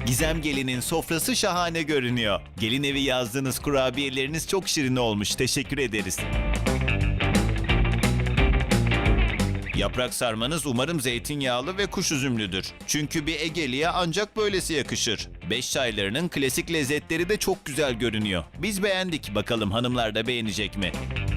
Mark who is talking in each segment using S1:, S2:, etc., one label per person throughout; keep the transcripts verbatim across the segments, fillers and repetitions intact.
S1: Gizem Gelin'in sofrası şahane görünüyor. Gelin evi yazdığınız kurabiyeleriniz çok şirin olmuş. Teşekkür ederiz. Yaprak sarmanız umarım zeytinyağlı ve kuş üzümlüdür. Çünkü bir Egeli'ye ancak böylesi yakışır. Beş çaylarının klasik lezzetleri de çok güzel görünüyor. Biz beğendik. Bakalım hanımlar da beğenecek mi?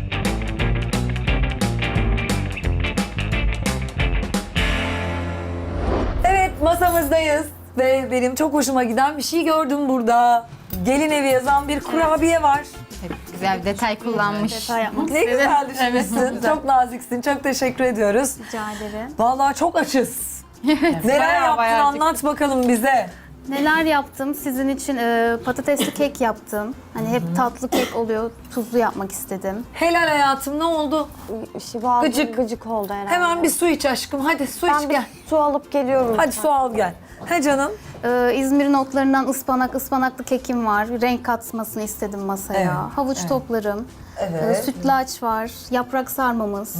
S2: Evet, masamızdayız ve benim çok hoşuma giden bir şey gördüm burada. Gelin evi yazan bir kurabiye var.
S3: Güzel bir detay kullanmış.
S4: Detay yapmak
S2: Ne
S4: istedim.
S2: güzel düşünmüşsün. Çok naziksin. Çok teşekkür ediyoruz.
S4: Rica ederim.
S2: Vallahi çok açız. Neler
S3: bayağı,
S2: yaptın
S3: bayağı
S2: anlat bakalım bize.
S4: Neler yaptım? Sizin için e, patatesli kek yaptım. Hani hep tatlı kek oluyor. Tuzlu yapmak istedim.
S2: Helal hayatım, ne oldu?
S5: Şey, boğazım
S2: Gıcık.
S5: gıcık oldu herhalde.
S2: Hemen bir su iç aşkım. Hadi su
S5: ben
S2: iç
S5: bir
S2: gel.
S5: su alıp geliyorum.
S2: Hadi su al gel. He canım.
S4: Ee, İzmir'in otlarından ıspanak, ıspanaklı kekim var. Renk katmasını istedim masaya.
S2: Evet,
S4: Havuç toplarım.
S2: Evet.
S4: Ee, sütlaç var. Yaprak sarmamız.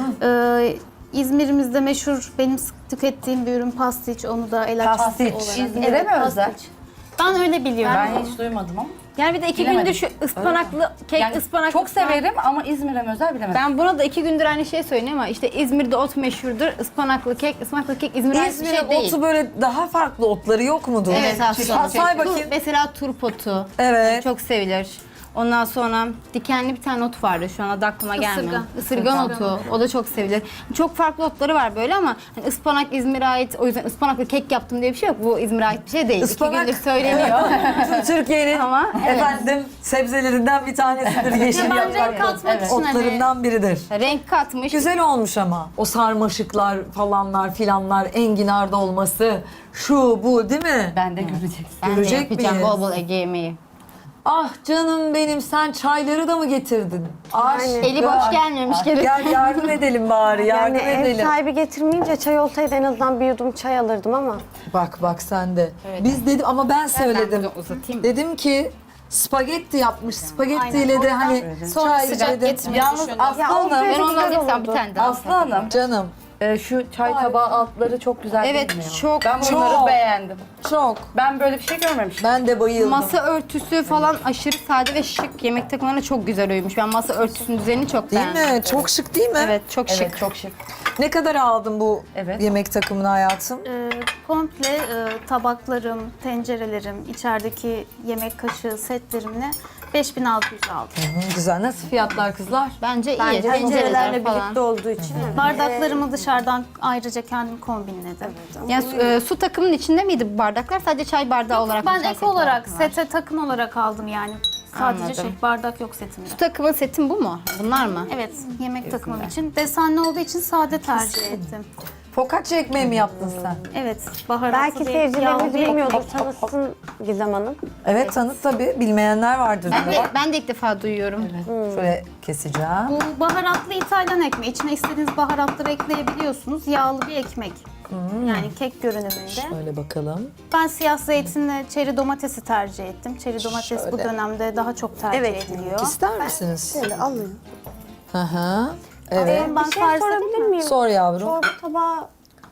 S4: Ee, İzmir'imizde meşhur benim sık tükettiğim bir ürün pastiç. Onu da el açması
S2: Pastiç.
S4: olarak.
S6: İzmir'e mi özel?
S4: Ben öyle biliyorum.
S6: Ben hiç duymadım ama.
S3: Yani bir de iki
S6: Bilemedim.
S3: gündür şu ıspanaklı kek,
S6: Yani
S3: ıspanaklı.
S6: çok severim ama İzmir'e mi özel bilemedim.
S3: Ben buna da iki gündür aynı şeyi söylüyorum ama işte İzmir'de ot meşhurdur. Ispanaklı kek, ıspanaklı kek İzmir'e ait bir
S2: İzmir'in
S3: şey değil.
S2: otu böyle daha farklı otları yok mudur?
S3: Evet aslında.
S2: Ha, say bakayım.
S3: Mesela turp otu.
S2: Evet.
S3: Çok sevilir. Ondan sonra dikenli bir tane ot vardı şu an adı aklıma gelmiyor.
S4: Isırgan.
S3: Isırgan otu. O da çok sevilir. Çok farklı otları var böyle ama hani ıspanak İzmir'e ait. O yüzden ıspanaklı kek yaptım diye bir şey yok. Bu İzmir'e ait bir şey değil.
S2: Ispanak-
S3: İki gündür söyleniyor.
S2: Türkiye'nin
S3: Ama evet.
S2: efendim sebzelerinden bir tanesidir yeşil
S4: Ben
S2: yapraklı.
S4: renk katmak için hani
S2: Otlarından biridir.
S3: Renk katmış.
S2: Güzel olmuş ama. O sarmaşıklar falanlar filanlar, enginarda olması, şu bu değil mi?
S6: Ben de göreceksin.
S3: Ben de
S2: Görecek
S3: yapacağım
S2: miyiz?
S3: bol bol Ege yemeği.
S2: Ah canım benim, sen çayları da mı getirdin? Aşk.
S3: Eli boş gelmemiş geri.
S2: Gel yardım edelim bari, yardım
S5: Yani ev
S2: edelim.
S5: sahibi getirmeyince çay olsaydı en azından bir yudum çay alırdım ama.
S2: Bak bak sen de. Biz dedim ama ben söyledim.
S3: bunu uzatayım.
S2: Dedim ki spagetti yapmış. Spagettiyle de hani
S4: Sonra
S2: çay
S4: sıcak
S2: dedim.
S4: getirmeyi
S6: Yalnız
S4: düşündüm.
S6: Aslı
S5: Ya
S6: Hanım,
S5: olsaydı
S3: Ben ondan
S5: güzel
S3: alsam bir
S5: olurdu.
S3: tane daha.
S6: Aslı Hanım,
S2: Canım
S6: e, şu çay tabağı altları çok güzel
S3: Evet,
S6: değil mi ya?
S3: çok,
S6: Ben bunları
S2: çok.
S6: beğendim.
S2: çok.
S6: Ben böyle bir şey görmemiştim.
S2: Ben de bayıldım.
S3: Masa örtüsü falan aşırı sade ve şık. Yemek takımlarına çok güzel uymuş. Ben masa örtüsünün düzenini çok
S2: Değil
S3: beğendim.
S2: mi? Çok şık değil mi?
S3: Evet, çok şık.
S6: Evet, çok şık.
S2: Ne kadar aldın bu
S6: Evet.
S2: yemek takımını hayatım?
S4: Ee, komple e, tabaklarım, tencerelerim, içerideki yemek kaşığı setlerimle beş bin altı yüz aldım.
S2: Hı, güzel. Nasıl fiyatlar kızlar?
S3: Bence iyi.
S5: Bence
S3: Tencereler
S5: tencerelerle
S3: falan.
S5: birlikte olduğu için.
S4: Bardaklarımı dışarıdan ayrıca kendim kombinledim.
S3: Yani su, e, su takımının içinde miydi bu bardaklar? Sadece çay bardağı olarak mı
S4: Ben
S3: çay
S4: ek
S3: seti
S4: olarak
S3: var?
S4: sete takım olarak aldım yani. Sadece
S3: Anladım.
S4: şey bardak yok setimde.
S3: Su takımın setin bu mu? Bunlar mı?
S4: Evet, yemek takımım için. Desenli olduğu için sade tercih ettim.
S2: Focaccia ekmeği mi yaptın sen?
S4: Evet, baharatlı
S5: Belki
S4: bir
S5: seyircilerimiz
S4: yağlı bir
S5: bilmiyordur.
S4: ekmek.
S5: Tanısın Gizem Hanım.
S2: Evet, tanıt tabii. Bilmeyenler vardır.
S3: Ben
S2: değil
S3: de,
S2: mi?
S3: ben de ilk defa duyuyorum.
S2: Şöyle keseceğim.
S4: Bu baharatlı İtalyan ekmeği. İçine istediğiniz baharatları ekleyebiliyorsunuz. Yağlı bir ekmek. Yani kek görünümünde.
S2: Şöyle bakalım.
S4: Ben siyah zeytinle çeri domatesi tercih ettim. Çeri domates bu
S2: Şöyle.
S4: dönemde daha çok tercih
S5: Evet.
S4: ediliyor.
S2: İster misiniz?
S5: Şöyle alın.
S2: Hı hı. Evet.
S4: Ben
S5: Bir şey
S4: tarif
S5: sorabilir
S4: edeyim mi?
S5: miyim?
S2: Sor yavrum.
S5: Çorba tabağı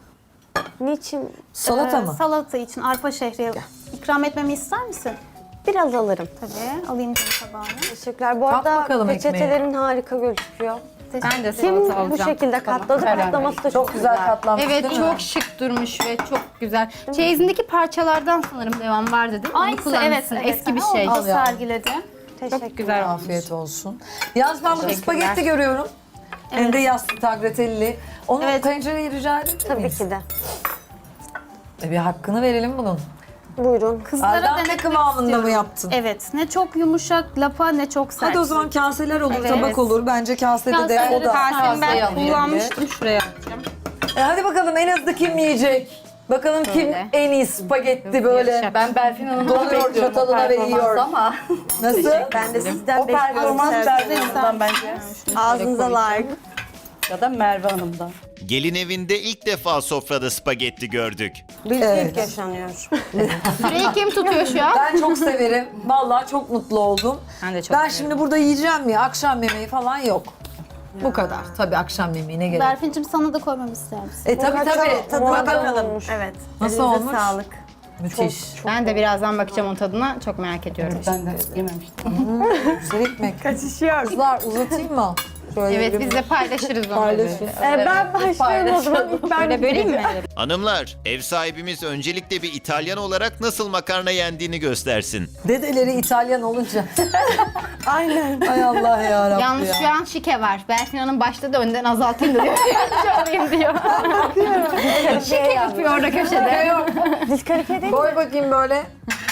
S5: niçin?
S2: Salata
S4: Ee,
S2: mı?
S4: Salata için arpa şehriye ikram etmemi ister misin?
S5: Biraz alırım.
S4: Tabii. Alayım canım tabağını.
S5: Teşekkürler. Bu
S2: Tat
S5: arada
S2: bakalım
S5: peçetelerin harika gözüküyor.
S3: Ben de
S5: Kim
S3: salata alacağım.
S5: bu şekilde katladı?
S6: Karar
S5: Katlaması da çok,
S2: Çok güzel katlanmış
S3: Evet,
S2: değil mi?
S3: çok şık durmuş ve çok güzel. Çeyizindeki parçalardan sanırım devam vardı değil mi? Onu
S4: Aynısı
S3: kullanmışsın.
S4: evet, evet.
S3: Eski bir
S4: Aha,
S3: şey.
S4: Onu
S2: Al
S4: da
S2: ya.
S4: sergiledim.
S5: Teşekkür
S3: Güzel olmuş.
S2: Afiyet olsun. Yalnız ben burada
S3: Teşekkürler.
S2: spagetti görüyorum. Hem de yassı tagliatelle. Onun
S4: Evet.
S2: tencereyi rica edebilir
S5: Tabii
S2: miyiz?
S5: ki de.
S2: E bir hakkını verelim bunun.
S5: Buyurun.
S4: Kızlara
S2: Aldante
S4: denetmek
S2: kıvamında
S4: istiyorum.
S2: mı yaptın?
S4: Evet. Ne çok yumuşak lapa ne çok sert.
S2: Hadi o zaman kaseler olur,
S4: Evet.
S2: tabak olur. Bence kasede de
S4: Kaseleri
S2: o da.
S3: Kasemi ben
S6: alayım.
S3: kullanmıştım şuraya.
S2: E hadi bakalım en hızlı kim yiyecek? Bakalım kim
S3: Şöyle.
S2: en iyi spagetti böyle
S3: Yarış
S6: Ben Berfin Hanım'dan
S2: Doluyor
S6: bekliyorum o
S2: çatalına ve yiyor.
S6: performansı ama
S2: nasıl?
S5: Ben de sizden
S6: o performans Berfin Hanım'dan bence.
S5: Ağzınıza layık.
S6: Ya da Merve Hanım'dan.
S1: Gelin evinde ilk defa sofrada spagetti gördük.
S5: Bir
S2: Evet.
S5: ilk yaşanıyor.
S3: Süreyi kim tutuyor şu an?
S2: Ben çok severim. Vallahi çok mutlu oldum.
S3: Ben de çok
S2: Ben
S3: severim.
S2: şimdi burada yiyeceğim ya, akşam yemeği falan yok. Bu kadar. Tabii akşam yemeğine gerek.
S4: Berfin'cim sana da koymamı ister misin?
S2: E tabii tabii.
S5: Tadına
S2: Bakalım.
S5: bakalım.
S4: Evet.
S2: Nasıl olmuş?
S5: Sağlık.
S2: Müthiş.
S3: Ben de birazdan bakacağım onun tadına. Çok merak ediyorum.
S6: Ben de yememiştim.
S2: Güzel ekmek. Kaçışıyor. Kızlar uzatayım mı? Şöyle
S3: Evet
S2: bir-
S3: biz de paylaşırız onu.
S2: Paylaşın.
S5: Ee, ben başlıyorum o zaman. İlk ben
S3: Böyle böleyim mi?
S1: Hanımlar, ev sahibimiz öncelikle bir İtalyan olarak nasıl makarna yendiğini göstersin.
S2: Dedeleri İtalyan olunca.
S5: Aynen.
S2: Ay Allah ya Rabbi
S3: Yalnız
S2: ya.
S3: şu an şike var. Berfin Hanım başladı önden azaltayım da diyor. Yardımcı olayım diyor. Şike yapıyor orada köşede.
S5: Diskalifiye değil mi?
S2: Koy bakayım böyle.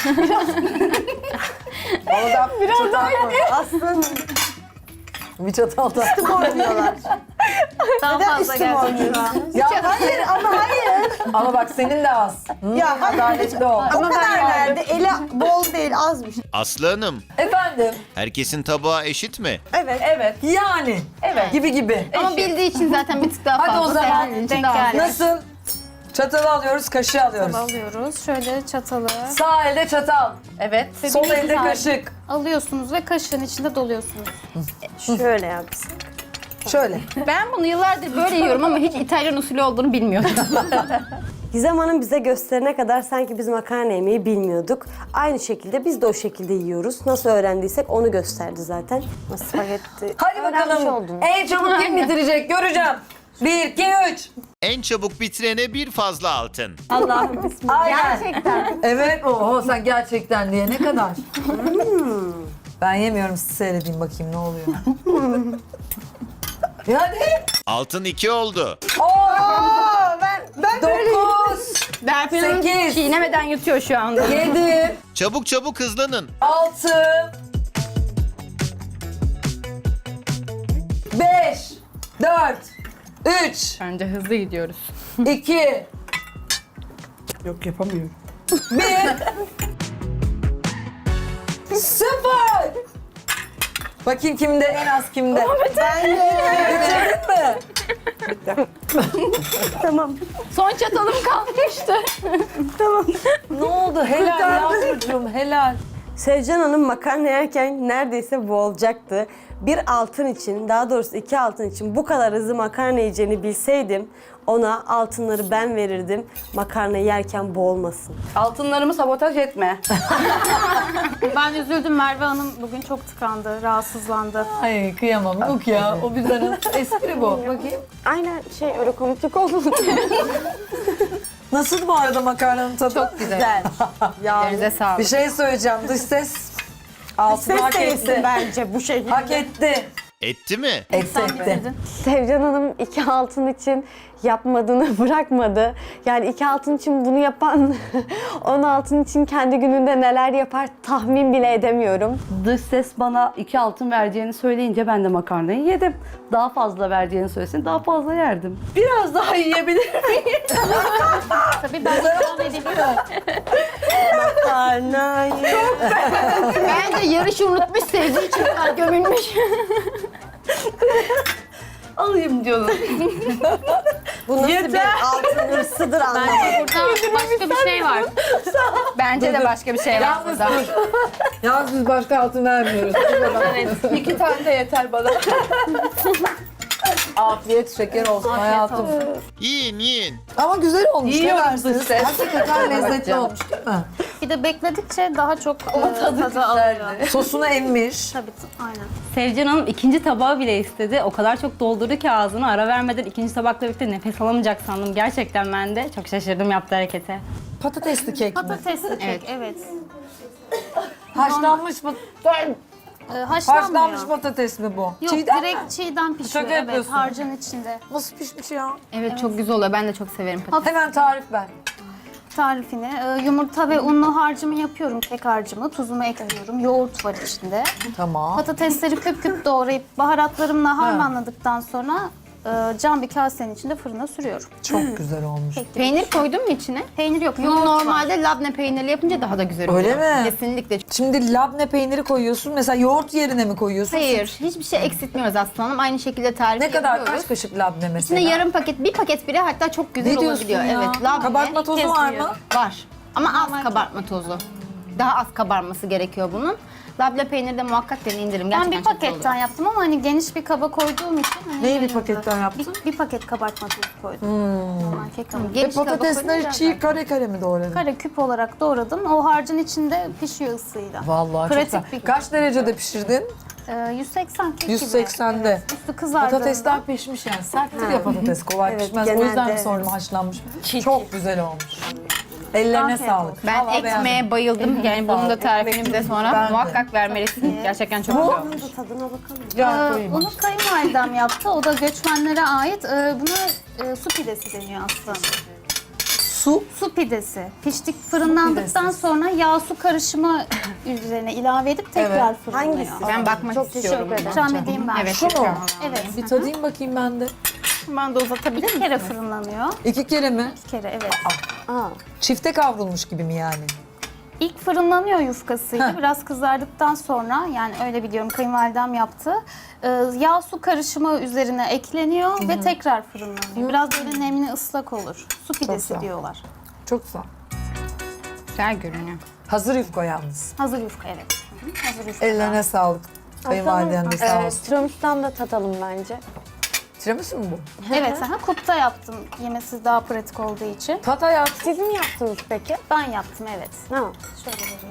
S2: Oradan biraz daha koy.
S5: Aslında
S2: Bir çatal da.
S5: oynuyorlar.
S3: Daha fazla geldi.
S2: Ya hayır ama hayır. Ama bak senin de az.
S5: Ya hayır.
S2: Adaletli ol.
S5: O kadar verdi. Eli bol değil, azmış.
S1: Aslı Hanım,
S2: Efendim.
S1: herkesin tabağı eşit mi?
S5: Evet.
S6: Evet.
S2: Yani.
S6: Evet.
S2: Gibi gibi.
S3: Ama bildiği için zaten bir tık daha
S2: Hadi
S3: fazla.
S2: o zaman
S3: sevdiği için
S5: denk
S3: daha az.
S5: geldi.
S2: Nasıl? Çatalı alıyoruz, kaşığı alıyoruz.
S4: Alıyoruz. Şöyle çatalı
S2: Sağ elde çatal,
S6: Evet.
S2: sol
S4: bir
S2: elde
S4: tane.
S2: kaşık.
S4: alıyorsunuz ve kaşığın içinde doluyorsunuz.
S5: Şöyle yapsın.
S2: Şöyle.
S3: Ben bunu yıllardır böyle yiyorum ama hiç İtalyan usulü olduğunu bilmiyordum.
S5: Gizem Hanım bize gösterene kadar sanki biz makarna yemeyi bilmiyorduk. Aynı şekilde biz de o şekilde yiyoruz. Nasıl öğrendiysek onu gösterdi zaten. Spagetti.
S2: Hadi
S5: Öğrenmiş
S2: bakalım.
S5: oldum.
S2: En çabuk kim bitirecek göreceğim. Bir, iki, üç.
S1: En çabuk bitirene bir fazla altın.
S5: Allah'ım bismillah.
S2: Aynen.
S5: Gerçekten.
S2: Evet, oho sen gerçekten diye ne kadar? Ben yemiyorum, sizi seyredeyim bakayım ne oluyor. Ya hadi.
S1: Altın iki oldu.
S2: On,
S5: Ben, ben böyle...
S2: dokuz,
S3: Berfin Hanım
S2: Sekiz.
S3: çiğnemeden yutuyor şu anda.
S2: yedi,
S1: Çabuk çabuk hızlanın.
S2: altı, beş, dört, üç,
S3: Bence hızlı gidiyoruz.
S2: iki,
S6: Yok yapamıyorum.
S2: bir, sıfır. Bakayım kimde, en az kimde.
S5: Ben yerim.
S2: Bitirdin mi?
S5: Tamam.
S3: Son çatalım kalmıştı.
S2: Ne oldu? Helal yavrucuğum, helal.
S5: Sevcan Hanım makarna yerken neredeyse boğulacaktı. Bir altın için, daha doğrusu iki altın için bu kadar hızlı makarna yiyeceğini bilseydim ona altınları ben verirdim. Makarna yerken boğulmasın.
S6: Altınlarımı sabotaj etme.
S4: Ben üzüldüm. Merve Hanım bugün çok tıkandı, rahatsızlandı.
S2: Ay kıyamam, yok ya. O bizden espri bu. Bakayım.
S5: Aynen şey öyle komiklik oldu.
S2: Nasıl bu arada makarnanın tadı?
S3: Çok güzel. Ellerinize
S2: Bir
S3: sağlık.
S2: şey söyleyeceğim. Dış ses altını
S5: Ses
S2: hak
S5: değilsin
S2: etti.
S5: bence bu şekilde.
S2: Hak etti.
S1: Etti mi?
S2: Etti etti.
S5: Sevcan Hanım iki altın için yapmadığını bırakmadı. Yani iki altın için bunu yapan on altın için kendi gününde neler yapar tahmin bile edemiyorum.
S6: Dış ses bana iki altın vereceğini söyleyince ben de makarnayı yedim. Daha fazla vereceğini söylesin daha fazla yerdim. Biraz daha yiyebilir miyim?
S4: Tabii ben devam edebilirim.
S5: Makarnayı.
S3: Bence yarışı unutmuş, sevdiği için kadar gömülmüş.
S6: Alayım diyorum.
S5: Bu nasıl
S6: Yeter.
S5: bir altın hırsıdır anlamadım.
S3: Burada başka bir şey var. Bence de başka bir şey var
S2: Yalnız
S3: burada.
S2: dur. Yalnız biz başka altın vermiyoruz.
S6: Evet, iki tane de yeter bana.
S2: Afiyet şeker olsun hayatım.
S1: Yiyin yiyin.
S2: Ama güzel olmuş. Ne
S6: Yiyorum
S2: dersiniz?
S6: dış ses.
S2: Hakikaten lezzetli olmuş değil mi?
S4: Bir de bekledikçe daha çok e, tadı, alıyor.
S2: Sosunu emmiş.
S4: Tabii, aynen.
S7: Sevcan Hanım ikinci tabağı bile istedi. O kadar çok doldurdu ki ağzını ara vermeden ikinci tabakla birlikte nefes alamayacak sandım. Gerçekten ben de çok şaşırdım yaptığı harekete.
S2: Patatesli kek mi?
S4: Patatesli kek, evet.
S2: Haşlanmış mı?
S4: Ee, haşlanmıyor.
S2: Haşlanmış patates mi bu?
S4: Yok,
S2: Çiğdem mi?
S4: direkt çiğden pişiyor.
S2: Şaka
S4: Evet,
S2: yapıyorsun.
S4: harcın içinde.
S2: Nasıl pişmiş ya?
S3: Evet, çok güzel oluyor. Ben de çok severim patates.
S2: Hemen tarif ver.
S4: Tarifini e, yumurta ve unlu harcımı yapıyorum, kek harcımı. Tuzumu ekliyorum. Yoğurt var içinde.
S2: Tamam.
S4: Patatesleri küp küp doğrayıp baharatlarımla harmanladıktan sonra e, cam bir kasenin içinde fırına sürüyorum.
S2: Çok güzel olmuş.
S3: Peynir koydun mu içine?
S4: Peynir yok,
S3: Bunu
S4: yoğurt var.
S3: normalde labne peynirli yapınca daha da güzel oluyor.
S2: Öyle mi?
S3: Kesinlikle.
S2: Şimdi labne peyniri koyuyorsun. Mesela yoğurt yerine mi koyuyorsun?
S3: Hayır, hiçbir şey eksiltmiyoruz aslanım. Aynı şekilde tarifi
S2: Ne kadar?
S3: yapıyoruz.
S2: Kaç kaşık labne mesela?
S3: İçinde yarım paket, bir paket bile hatta çok güzel
S2: Ne diyorsun
S3: olabiliyor.
S2: ya?
S3: Evet, labne.
S2: Kabartma tozu var mı?
S3: Var. Ama az kabartma tozu. Daha az kabarması gerekiyor bunun. Labne peyniri de muhakkak deneyin indirim.
S4: Ben
S3: Gerçekten
S4: bir
S3: çok güzel
S4: paketten
S3: oluyor.
S4: yaptım ama hani geniş bir kaba koyduğum için. Hani
S2: Neyi bir
S4: yanında-
S2: paketten yaptın?
S4: Bir, bir paket kabartma tozu koydum. Normal kek hamuru.
S2: Ve
S3: Geniş kaba
S2: patatesleri
S3: koyunca-
S2: çiğ kare kare mi doğradın?
S4: Kare küp olarak doğradım. O harcın içinde pişiyor ısıyla.
S2: Vallahi
S4: Pratik
S2: çok güzel.
S4: bir-
S2: Kaç derecede pişirdin?
S4: Ee, yüz seksen kek
S2: yüz seksende.
S4: gibi. Evet, üstü kızardığında.
S2: Patatesler pişmiş yani. Serttir ya patates. Kolay
S5: Evet,
S2: pişmez. O
S5: genelde
S2: yüzden mi
S5: evet.
S2: sordum haşlanmış. Çok güzel olmuş. Ellerine
S4: Afiyet
S2: sağlık.
S4: olsun.
S3: Ben
S2: Vallahi
S3: ekmeğe
S2: beğendim.
S3: bayıldım. Yani bunun da tarifini bize sonra
S2: Ben de.
S3: muhakkak vermelisin. Gerçekten çok güzel olmuş.
S5: Bunun da tadına bakalım.
S2: Gel
S4: Ee,
S2: koyayım.
S4: onu kayınvalidem yaptı. O da göçmenlere ait. Ee, buna e, su pidesi deniyor aslında.
S2: Su.
S4: Su pidesi. Piştik fırınlandıktan
S2: pidesi.
S4: sonra yağ su karışımı üzerine ilave edip tekrar
S2: Evet.
S4: fırınlıyor.
S5: Hangisi?
S3: Ben bakmak
S5: Çok
S3: istiyorum.
S5: teşekkür ederim.
S4: İkram edeyim ben.
S3: Evet.
S2: Şu mu?
S4: Evet.
S2: Bir tadayım bakayım ben de.
S3: Ben de uzatabilir
S4: Bir kere fırınlanıyor.
S2: İki kere mi?
S4: Bir kere evet.
S5: Aa,
S2: Çifte kavrulmuş gibi mi yani?
S4: İlk fırınlanıyor yufkasıyla.
S2: Heh.
S4: Biraz kızardıktan sonra yani öyle biliyorum kayınvalidem yaptı. Ee, yağ su karışımı üzerine ekleniyor ve tekrar fırınlanıyor. Biraz böyle nemli ıslak olur. Su pidesi
S2: güzel.
S4: diyorlar.
S2: Çok güzel.
S3: Güzel görünüyor.
S2: Hazır yufka yalnız.
S4: Hazır yufka evet. Hı hı, Hazır yufka.
S2: Ellerine sağlık. Kayınvaliden de sağ
S5: e,
S2: olsun.
S5: tiramisu'dan da tadalım bence.
S2: Tiramisu mu bu?
S4: Evet, aha, kupta yaptım. Yemesi daha pratik olduğu için.
S2: Tat hayatı.
S5: Siz mi yaptınız peki?
S4: Ben yaptım evet.
S5: Ha.
S4: Şöyle vereyim.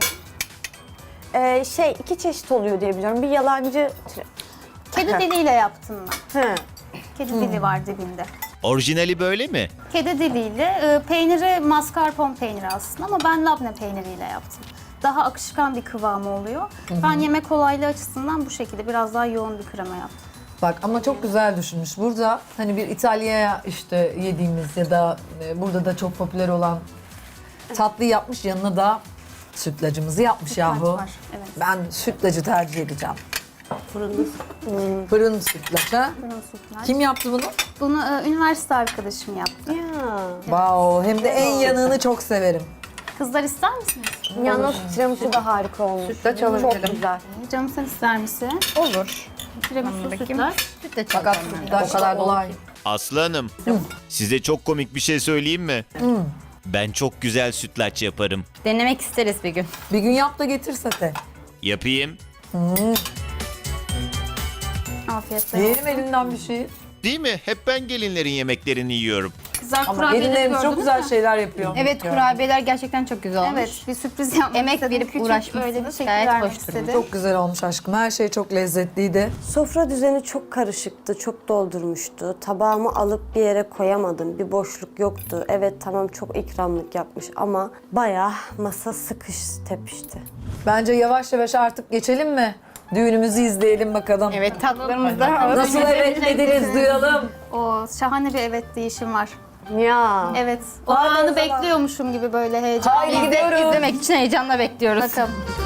S5: Ee, şey iki çeşit oluyor diye biliyorum. Bir yalancı...
S4: Kedi diliyle yaptım ben.
S5: Hı.
S4: Kedi dili var dibinde.
S1: Orijinali böyle mi?
S4: Kedi diliyle, e, peyniri mascarpone peyniri aslında ama ben labne peyniriyle yaptım. Daha akışkan bir kıvamı oluyor. Ben yemek kolaylığı açısından bu şekilde biraz daha yoğun bir krema yaptım.
S2: Bak ama çok güzel düşünmüş. Burada hani bir İtalya'ya işte yediğimiz ya da e, burada da çok popüler olan tatlıyı yapmış. Yanına da sütlacımızı yapmış
S4: Sütlaç
S2: yahu.
S4: var, evet.
S2: Ben sütlacı tercih edeceğim.
S5: Fırında.
S2: Fırın sütlaç ha?
S4: Fırın sütlaç.
S2: Kim yaptı bunu?
S4: Bunu e, üniversite arkadaşım yaptı.
S5: Ya.
S2: Wow, hem de en yanığını çok severim.
S4: Kızlar ister misiniz?
S5: Yalnız tiramisu da harika olmuş.
S6: Sütlaç
S5: Çok
S6: alabilirim.
S5: güzel.
S4: Canım sen ister misin?
S3: Olur.
S4: Tiramisu
S3: Bakayım.
S4: sütlaç.
S3: Süt de
S2: Fakat
S3: çalacağım ben.
S2: sütlaç
S6: O kadar
S2: da
S6: da
S2: olay.
S1: Aslı Hanım, size çok komik bir şey söyleyeyim mi? Ben çok güzel sütlaç yaparım.
S7: Denemek isteriz bir gün.
S2: Bir gün yap da getir sete.
S1: Yapayım.
S4: Afiyetler olsun.
S2: Yiyelim elinden bir şey.
S1: Değil mi? Hep ben gelinlerin yemeklerini yiyorum.
S4: Kızlar
S2: Ama
S4: kurabiyeleri
S2: gelinlerimiz
S4: gördünüz
S2: çok güzel
S4: mü?
S2: şeyler yapıyor.
S3: Evet, kurabiyeler gerçekten çok güzel olmuş.
S4: Evet, bir sürpriz yapmak
S3: Emek
S4: istedim.
S3: verip
S4: Küçük,
S3: uğraşmışsınız.
S4: öyle bir şekil
S3: Gayet
S4: vermek
S3: hoş
S4: istedim.
S2: Çok güzel olmuş aşkım. Her şey çok lezzetliydi.
S5: Sofra düzeni çok karışıktı, çok doldurmuştu. Tabağımı alıp bir yere koyamadım. Bir boşluk yoktu. Evet tamam çok ikramlık yapmış ama bayağı masa sıkış tepişti.
S2: Bence yavaş yavaş artık geçelim mi? Düğünümüzü izleyelim bakalım.
S3: Evet, tatlılarımız da
S2: Nasıl evet dediniz duyalım.
S4: O şahane bir evet deyişim var.
S5: Ya.
S4: Evet. O
S2: Hadi o
S4: anı
S2: zaman.
S4: bekliyormuşum gibi böyle heyecanlı.
S2: Haydi
S3: Biz de
S2: gidiyoruz.
S3: izlemek için heyecanla bekliyoruz.
S4: Bakalım.